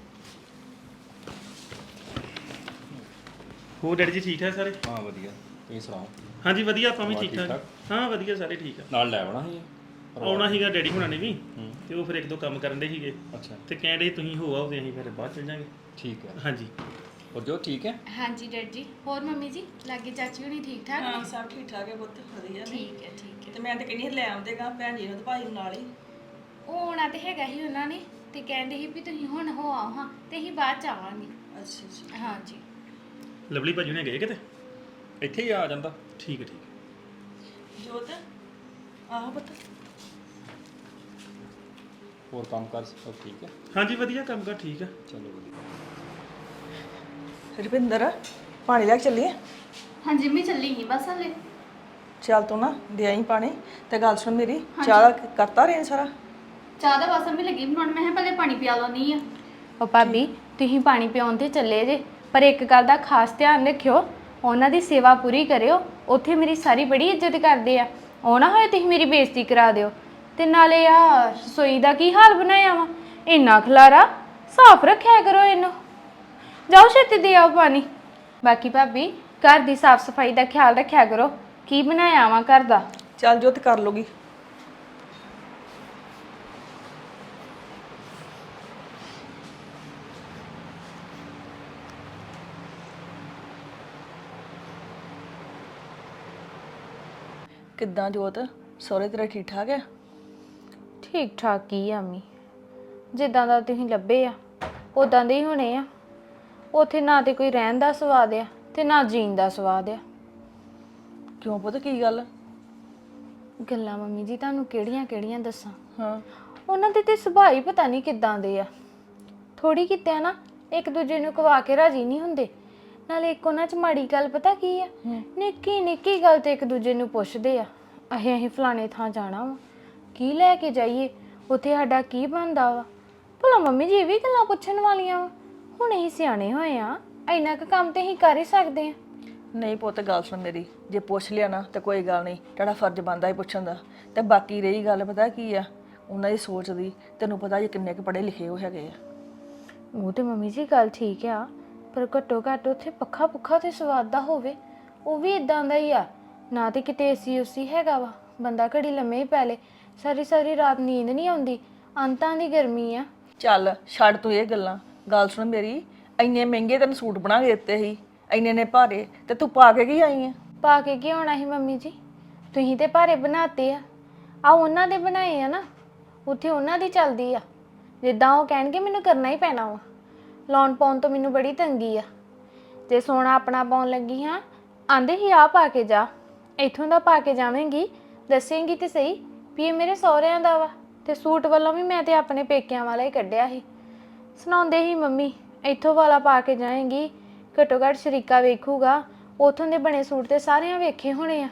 Speaker 2: ਹੋਰ ਡੈਡੀ ਜੀ ਠੀਕ ਠਾਕ ਸਾਰੇ?
Speaker 8: ਹਾਂ ਵਧੀਆ, ਤੁਸੀਂ ਸੁਣਾਓ?
Speaker 2: ਹਾਂਜੀ ਵਧੀਆ, ਆਪਾਂ ਵੀ ਠੀਕ ਠਾਕ। ਹਾਂ ਵਧੀਆ, ਸਾਰੇ ਠੀਕ ਆ।
Speaker 8: ਨਾਲ ਲੈ ਆਉਣਾ ਸੀ?
Speaker 2: ਆਉਣਾ ਸੀਗਾ ਡੈਡੀ ਹੁਣਾਂ ਨੇ ਵੀ, ਤੇ ਉਹ ਫਿਰ ਇੱਕ ਦੋ ਕੰਮ ਕਰਨ ਦੇ ਸੀਗੇ
Speaker 8: ਅੱਛਾ
Speaker 2: ਤੇ ਕਹਿੰਦੇ ਤੁਸੀਂ ਹੋ ਆਓ ਤੇ ਅਸੀਂ ਫਿਰ ਬਾਅਦ ਚਲ ਜਾਾਂਗੇ।
Speaker 8: ਠੀਕ ਹੈ।
Speaker 2: ਹਾਂਜੀ
Speaker 8: ਹੋਰ ਜੋ ਠੀਕ ਹੈ?
Speaker 9: ਹਾਂਜੀ ਡੈਡ ਜੀ। ਹੋਰ ਮੰਮੀ ਜੀ ਲਾਗੇ ਚਾਚੀ ਹੋਣੀ ਠੀਕ ਠਾਕ?
Speaker 10: ਹਾਂ ਸਭ ਠੀਕ ਠਾਕ ਹੈ ਪੁੱਤ, ਵਧੀਆ ਨੇ।
Speaker 9: ਠੀਕ ਹੈ ਠੀਕ ਹੈ।
Speaker 10: ਤੇ ਮੈਂ ਤੇ ਕਹਿੰਦੀ ਸੀ ਲੈ ਆਉਂਦੇਗਾ ਭੈਣ ਜੀ ਨੂੰ ਤੇ ਭਾਈ ਨੂੰ ਨਾਲ ਹੀ।
Speaker 9: ਉਹ ਆਉਣਾ ਤੇ ਹੈਗਾ ਹੀ ਉਹਨਾਂ ਨੇ, ਤੇ ਕਹਿੰਦੇ ਸੀ ਵੀ ਤੁਸੀਂ ਹੁਣ ਹੋ ਆਓ ਹਾਂ, ਤੇ ਅਸੀਂ ਬਾਅਦ ਚ ਆਵਾਂਗੇ।
Speaker 10: ਅੱਛਾ ਅੱਛਾ।
Speaker 9: ਹਾਂਜੀ।
Speaker 2: ਲਵਲੀ ਭਾਜੀ ਨੇ ਗਏ ਕਿਤੇ?
Speaker 8: ਇੱਥੇ ਹੀ ਆ ਜਾਂਦਾ।
Speaker 2: ਠੀਕ ਹੈ ਠੀਕ ਹੈ।
Speaker 10: ਜੋਤ ਆਹੋ ਪੁੱਤ।
Speaker 8: ਹੋਰ ਕੰਮ ਕਰ ਸਭ ਠੀਕ ਹੈ?
Speaker 2: ਹਾਂਜੀ ਵਧੀਆ, ਕੰਮ ਕਰ ਠੀਕ ਆ।
Speaker 8: ਚਲੋ ਵਧੀਆ।
Speaker 10: ਰੁਪਿੰਦਰ ਪਾਣੀ ਲੈ ਕੇ ਚੱਲੀਏ?
Speaker 9: ਹਾਂਜੀ ਮੈਂ ਚੱਲੀ ਗਈ ਬਸ ਹਲੇ।
Speaker 10: ਚੱਲ ਤੂੰ ਨਾ ਦੇ ਆਈ ਪਾਣੀ। ਤੇ ਗੱਲ ਸੁਣ ਮੇਰੀ, ਚਾਹ ਕਰਤਾ ਰਹੇ ਸਾਰਾ?
Speaker 9: ਚਾਹ ਦਾ ਬਸ ਮੈਂ ਲੱਗੀ ਬਣਾਉਣ, ਮੈਂ ਕਿਹਾ ਪਹਿਲੇ ਪਾਣੀ ਪਿਆ ਲਵਾਂਦੀ ਆ।
Speaker 4: ਉਹ ਭਾਬੀ ਤੁਸੀਂ ਪਾਣੀ ਪਿਆਉਣ ਤੇ ਚੱਲੇ ਜੇ, ਪਰ ਇੱਕ ਗੱਲ ਦਾ ਖਾਸ ਧਿਆਨ ਰੱਖਿਓ, ਉਹਨਾਂ ਦੀ ਸੇਵਾ ਪੂਰੀ ਕਰਿਓ। ਉੱਥੇ ਮੇਰੀ ਸਾਰੀ ਬੜੀ ਇੱਜ਼ਤ ਕਰਦੇ ਆ, ਉਹ ਨਾ ਹੋਏ ਤੁਸੀਂ ਮੇਰੀ ਬੇਇੱਜ਼ਤੀ ਕਰਾ ਦਿਓ। ਤੇ ਨਾਲੇ ਆ ਰਸੋਈ ਦਾ ਕੀ ਹਾਲ ਬਣਾਇਆ ਵਾ, ਇੰਨਾ ਖਲਾਰਾ, ਸਾਫ਼ ਰੱਖਿਆ ਕਰੋ ਇਹਨੂੰ। ਜਾਓ ਛੇਤੀ ਦੇ ਆਓ ਪਾਣੀ। ਬਾਕੀ ਭਾਬੀ ਘਰ ਦੀ ਸਾਫ਼ ਸਫਾਈ ਦਾ ਖਿਆਲ ਰੱਖਿਆ ਕਰੋ। ਕੀ ਬਣਾਇਆ ਵਾ ਘਰ ਦਾ?
Speaker 10: ਚੱਲ ਜੋਤ ਕਰ ਲੂਗੀ। ਕਿੱਦਾਂ ਜੋਤ, ਸਹੁਰੇ ਤੇਰੇ ਠੀਕ ਠਾਕ ਹੈ?
Speaker 4: ਠੀਕ ਠਾਕ ਕੀ ਆ ਅੰਮੀ, ਜਿੱਦਾਂ ਦਾ ਤੁਸੀਂ ਲੱਭੇ ਆ ਉਦਾਂ ਦੇ ਹੀ ਹੋਣੇ ਆ। ਉੱਥੇ ਨਾ ਤੇ ਕੋਈ ਰਹਿਣ ਦਾ ਸਵਾਦ ਆ ਤੇ ਨਾ ਜੀਣ ਦਾ ਸਵਾਦ ਆ।
Speaker 10: ਕਿਉਂ ਪੁੱਤ, ਕੀ ਗੱਲ?
Speaker 4: ਗੱਲਾਂ ਮੰਮੀ ਜੀ ਤੁਹਾਨੂੰ ਕਿਹੜੀਆਂ ਦੱਸਾਂ।
Speaker 10: ਹਾਂ
Speaker 4: ਉਹਨਾਂ ਦੇ ਤੇ ਸੁਭਾਅ ਹੀ ਪਤਾ ਨਹੀਂ ਕਿੱਦਾਂ ਦੇ ਆ। ਥੋੜੀ ਕਿਤੇ ਨਾ ਇੱਕ ਦੂਜੇ ਨੂੰ ਕਵਾ ਕੇ ਰਾਜੀ ਨਹੀਂ ਹੁੰਦੇ। ਨਾਲੇ ਇੱਕ ਉਹਨਾਂ 'ਚ ਮਾੜੀ ਗੱਲ ਪਤਾ ਕੀ ਆ, ਨਿੱਕੀ ਨਿੱਕੀ ਗੱਲ ਤੇ ਇੱਕ ਦੂਜੇ ਨੂੰ ਪੁੱਛਦੇ ਆ, ਅਸੀਂ ਫਲਾਣੇ ਥਾਂ ਜਾਣਾ ਵਾ, ਕੀ ਲੈ ਕੇ ਜਾਈਏ, ਉੱਥੇ ਸਾਡਾ ਕੀ ਬਣਦਾ ਵਾ। ਭਲਾ ਮੰਮੀ ਜੀ ਇਹ ਵੀ ਗੱਲਾਂ ਪੁੱਛਣ ਵਾਲੀਆਂ ਵਾ? ਹੁਣ ਅਸੀਂ ਸਿਆਣੇ ਹੋਏ ਆ, ਇੰਨਾ ਕੁ ਕੰਮ ਤੇ ਅਸੀਂ ਕਰ ਹੀ ਸਕਦੇ ਆ।
Speaker 10: ਨਹੀਂ ਪੁੱਤ ਗੱਲ ਸੁਣ ਮੇਰੀ, ਜੇ ਪੁੱਛ ਲਿਆ ਨਾ ਤਾਂ ਕੋਈ ਗੱਲ ਨਹੀਂ, ਤੁਹਾਡਾ ਫਰਜ਼ ਬਣਦਾ ਹੀ ਪੁੱਛਣ ਦਾ। ਤੇ ਬਾਕੀ ਰਹੀ ਗੱਲ ਪਤਾ ਕੀ ਆ, ਉਹਨਾਂ ਦੀ ਸੋਚ ਦੀ, ਤੈਨੂੰ ਪਤਾ ਜੇ ਕਿੰਨੇ ਕੁ ਪੜ੍ਹੇ ਲਿਖੇ ਹੋ ਹੈਗੇ ਆ।
Speaker 4: ਉਹ ਤੇ ਮੰਮੀ ਜੀ ਗੱਲ ਠੀਕ ਆ, ਪਰ ਘੱਟੋ ਘੱਟ ਉੱਥੇ ਪੱਖਾ ਪੁੱਖਾ ਤੇ ਸਵਾਦ ਦਾ ਹੋਵੇ। ਉਹ ਵੀ ਇਦਾਂ ਦਾ ਹੀ ਆ, ਨਾ ਤੇ ਕਿਤੇ ਏਸੀ ਉਸੀ ਹੈਗਾ ਵਾ, ਬੰਦਾ ਘੜੀ ਲੰਮੇ ਹੀ ਪੈ ਲੇ, ਸਾਰੀ ਰਾਤ ਨੀਂਦ ਨਹੀਂ ਆਉਂਦੀ, ਅੰਤਾਂ ਦੀ ਗਰਮੀ ਆ।
Speaker 10: ਚੱਲ ਛੱਡ ਤੂੰ ਇਹ ਗੱਲਾਂ, ਗੱਲ ਸੁਣ ਮੇਰੀ, ਇੰਨੇ ਮਹਿੰਗੇ ਤੈਨੂੰ ਸੂਟ ਬਣਾ ਕੇ ਦਿੱਤੇ ਸੀ, ਇੰਨੇ ਨੇ ਭਾਰੇ, ਤੇ ਤੂੰ ਪਾ ਕੇ ਕੀ ਆਈ ਆ?
Speaker 4: ਪਾ ਕੇ ਕੀ ਹੋਣਾ ਸੀ ਮੰਮੀ ਜੀ, ਤੁਸੀਂ ਤੇ ਭਾਰੇ ਬਣਾਤੇ ਆ ਉਹਨਾਂ ਦੇ ਬਣਾਏ ਆ ਨਾ, ਉੱਥੇ ਉਹਨਾਂ ਦੀ ਚੱਲਦੀ ਆ। ਜਿੱਦਾਂ ਉਹ ਕਹਿਣਗੇ ਮੈਨੂੰ ਕਰਨਾ ਹੀ ਪੈਣਾ ਵਾ। ਲਾਉਣ ਪਾਉਣ ਤੋਂ ਮੈਨੂੰ ਬੜੀ ਤੰਗੀ ਆ। ਜੇ ਸੋਨਾ ਆਪਣਾ ਪਾਉਣ ਲੱਗੀ ਹਾਂ, ਆਂਦੇ ਹੀ ਆ ਪਾ ਕੇ ਜਾ, ਇੱਥੋਂ ਦਾ ਪਾ ਕੇ ਜਾਵੇਂਗੀ, ਦੱਸੇਂਗੀ ਤੇ ਸਹੀ ਵੀ ਇਹ ਮੇਰੇ ਸਹੁਰਿਆਂ ਦਾ ਵਾ। ਤੇ ਸੂਟ ਵੱਲੋਂ ਵੀ ਮੈਂ ਤੇ ਆਪਣੇ ਪੇਕਿਆਂ ਵਾਲਾ ਹੀ ਕੱਢਿਆ ਸੀ। ਸੁਣਾਉਂਦੇ ਹੀ ਮੰਮੀ ਇੱਥੋਂ ਵਾਲਾ ਪਾ ਕੇ ਜਾਏਂਗੀ, ਘੱਟੋ ਘੱਟ ਸ਼ਰੀਕਾ ਵੇਖੂਗਾ, ਉੱਥੋਂ ਦੇ ਬਣੇ ਸੂਟ ਤੇ ਸਾਰਿਆਂ ਵੇਖੇ ਹੋਣੇ ਆ।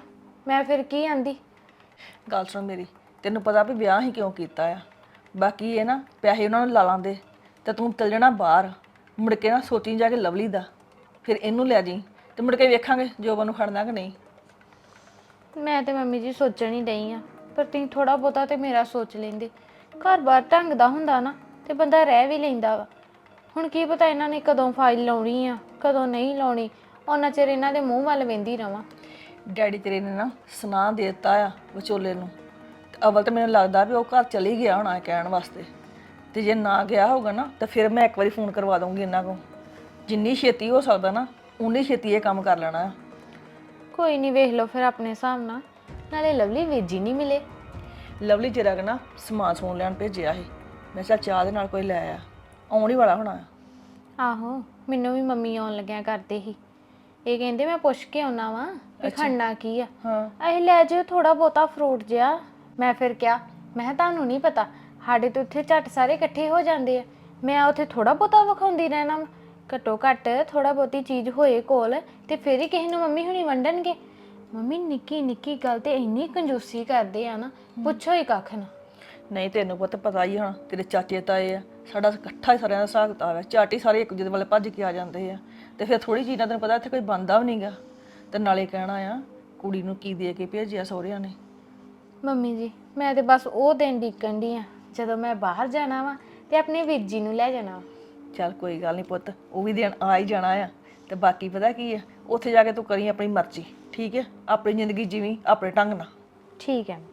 Speaker 4: ਮੈਂ ਫਿਰ ਕੀ ਆਂਦੀ?
Speaker 10: ਗੱਲ ਸੁਣ ਮੇਰੀ, ਤੈਨੂੰ ਪਤਾ ਵੀ ਵਿਆਹ ਹੀ ਕਿਉਂ ਕੀਤਾ ਆ। ਬਾਕੀ ਇਹ ਨਾ ਪੈਸੇ ਉਹਨਾਂ ਨੂੰ ਲਾ ਲਾਂਦੇ ਤੇ ਤੂੰ ਚੱਲ ਜਾਣਾ ਬਾਹਰ, ਮੁੜ ਕੇ ਨਾ ਸੋਚੀ ਜਾ ਕੇ ਲਵਲੀ ਦਾ, ਫਿਰ ਇਹਨੂੰ ਲੈ ਜੀ ਤੇ ਮੁੜ ਕੇ ਵੇਖਾਂਗੇ ਜੋਬਨ ਨੂੰ ਖੜਨਾ ਕਿ ਨਹੀਂ।
Speaker 4: ਮੈਂ ਤੇ ਮੰਮੀ ਜੀ ਸੋਚਣ ਹੀ ਡਈ ਆ, ਪਰ ਤੁਸੀਂ ਥੋੜਾ ਬਹੁਤਾ ਤੇ ਮੇਰਾ ਸੋਚ ਲੈਂਦੇ। ਘਰ-ਬਾਰ ਢੰਗ ਦਾ ਹੁੰਦਾ ਨਾ ਤੇ ਬੰਦਾ ਰਹਿ ਵੀ ਲੈਂਦਾ ਵਾ। ਹੁਣ ਕੀ ਪਤਾ ਇਹਨਾਂ ਨੇ ਕਦੋਂ ਫਾਈਲ ਲਾਉਣੀ ਆ, ਕਦੋਂ ਨਹੀਂ ਲਾਉਣੀ, ਉਹਨਾਂ ਚਿਰ ਇਹਨਾਂ ਦੇ ਮੂੰਹ ਵੱਲ ਵੇਂਦੀ ਰਵਾਂ।
Speaker 10: ਡੈਡੀ ਤੇਰੇ ਨੇ ਨਾ ਸੁਣਾ ਦੇ ਦਿੱਤਾ ਆ ਵਿਚੋਲੇ ਨੂੰ, ਤੇ ਅਵਲ ਤਾਂ ਮੈਨੂੰ ਲੱਗਦਾ ਵੀ ਉਹ ਘਰ ਚਲੀ ਗਿਆ ਹੋਣਾ ਕਹਿਣ ਵਾਸਤੇ, ਤੇ ਜੇ ਨਾ ਗਿਆ ਹੋਊਗਾ ਨਾ ਤਾਂ ਫਿਰ ਮੈਂ ਇੱਕ ਵਾਰੀ ਫੋਨ ਕਰਵਾ ਦਊਂਗੀ ਇਹਨਾਂ ਕੋਲ। ਜਿੰਨੀ ਛੇਤੀ ਹੋ ਸਕਦਾ ਨਾ ਉਨੀ ਛੇਤੀ ਇਹ ਕੰਮ ਕਰ ਲੈਣਾ ਆ।
Speaker 4: ਕੋਈ ਨਹੀਂ, ਵੇਖ ਲਓ ਫਿਰ ਆਪਣੇ ਹਿਸਾਬ ਨਾਲ। ਨਾਲੇ ਲਵਲੀ ਵੀਰ ਜੀ ਨਹੀਂ ਮਿਲੇ।
Speaker 10: ਲਵਲੀ ਜਰਾ ਕੁ ਨਾ ਸਮਾਨ ਸਮੂਨ ਲੈਣ ਭੇਜਿਆ ਸੀ, ਮੈਂ ਕਿਹਾ ਚਾਹ ਦੇ ਨਾਲ ਕੋਈ ਲੈ ਆ, ਆਉਣ ਹੀ ਵਾਲਾ ਹੋਣਾ ਆ।
Speaker 4: ਆਹੋ, ਮੈਨੂੰ ਵੀ ਮੰਮੀ ਆਉਣ ਲੱਗਿਆ ਕਰਦੇ ਸੀ। ਇਹ ਕਹਿੰਦੇ ਮੈਂ ਪੁੱਛ ਕੇ ਆਉਣਾ ਵਾ ਵੀ ਖੜਨਾ ਕੀ ਆ।
Speaker 10: ਹਾਂ,
Speaker 4: ਅਸੀਂ ਲੈ ਜਿਓ ਥੋੜਾ ਬਹੁਤਾ ਫਰੂਟ ਜਿਹਾ। ਮੈਂ ਫਿਰ ਕਿਹਾ, ਮੈਂ ਕਿਹਾ ਤੁਹਾਨੂੰ ਨਹੀਂ ਪਤਾ, ਸਾਡੇ ਤੋਂ ਉੱਥੇ ਝੱਟ ਸਾਰੇ ਇਕੱਠੇ ਹੋ ਜਾਂਦੇ ਆ। ਮੈਂ ਉੱਥੇ ਥੋੜਾ ਬਹੁਤਾ ਵਿਖਾਉਂਦੀ ਰਹਿਣਾ ਵਾ। ਘੱਟੋ ਘੱਟ ਥੋੜਾ ਬਹੁਤੀ ਚੀਜ਼ ਹੋਏ ਕੋਲ ਤੇ ਫਿਰ ਹੀ ਕਿਸੇ ਨੂੰ ਮੰਮੀ ਹੁਣੀ ਵੰਡਣਗੇ। ਮੰਮੀ ਨਿੱਕੀ ਨਿੱਕੀ ਗੱਲ ਤੇ ਇੰਨੀ ਕੰਜੂਸੀ ਕਰਦੇ ਆ ਨਾ, ਪੁੱਛੋ ਹੀ ਕੱਖ ਨਾ।
Speaker 10: ਨਹੀਂ ਤੈਨੂੰ ਪੁੱਤ ਪਤਾ ਹੀ ਹੁਣ ਤੇਰੇ ਚਾਚੇ ਤਾਏ ਆ, ਸਾਡਾ ਇਕੱਠਾ ਹੀ ਸਾਰਿਆਂ ਦਾ ਹਿਸਾਬ ਕਿਤਾਬ ਹੈ। ਝਾਟੀ ਸਾਰੇ ਇੱਕ ਦੂਜੇ ਵੱਲ ਭੱਜ ਕੇ ਆ ਜਾਂਦੇ ਆ, ਤੇ ਫਿਰ ਥੋੜੀ ਚੀਜ਼ਾਂ ਤੈਨੂੰ ਪਤਾ ਇੱਥੇ ਕੋਈ ਬਣਦਾ ਵੀ ਨਹੀਂਗਾ। ਤੇ ਨਾਲੇ ਕਹਿਣਾ ਆ ਕੁੜੀ ਨੂੰ ਕੀ ਦੇ ਕੇ ਭੇਜਿਆ ਸਹੁਰਿਆਂ ਨੇ।
Speaker 4: ਮੰਮੀ ਜੀ, ਮੈਂ ਤੇ ਬਸ ਉਹ ਦਿਨ ਡੀਕਣ ਦੀ ਆ ਜਦੋਂ ਮੈਂ ਬਾਹਰ ਜਾਣਾ ਵਾ ਤੇ ਆਪਣੇ ਵੀਰ ਜੀ ਨੂੰ ਲੈ ਜਾਣਾ ਵਾ।
Speaker 10: ਚੱਲ ਕੋਈ ਗੱਲ ਨਹੀਂ ਪੁੱਤ, ਉਹ ਵੀ ਦਿਨ ਆ ਹੀ ਜਾਣਾ ਆ। ਤੇ ਬਾਕੀ ਪਤਾ ਕੀ ਆ, ਉੱਥੇ ਜਾ ਕੇ ਤੂੰ ਕਰੀ ਆਪਣੀ ਮਰਜ਼ੀ, ਠੀਕ ਹੈ? ਆਪਣੀ ਜ਼ਿੰਦਗੀ ਜੀਵੀਂ ਆਪਣੇ ਢੰਗ ਨਾਲ।
Speaker 4: ਠੀਕ ਹੈ।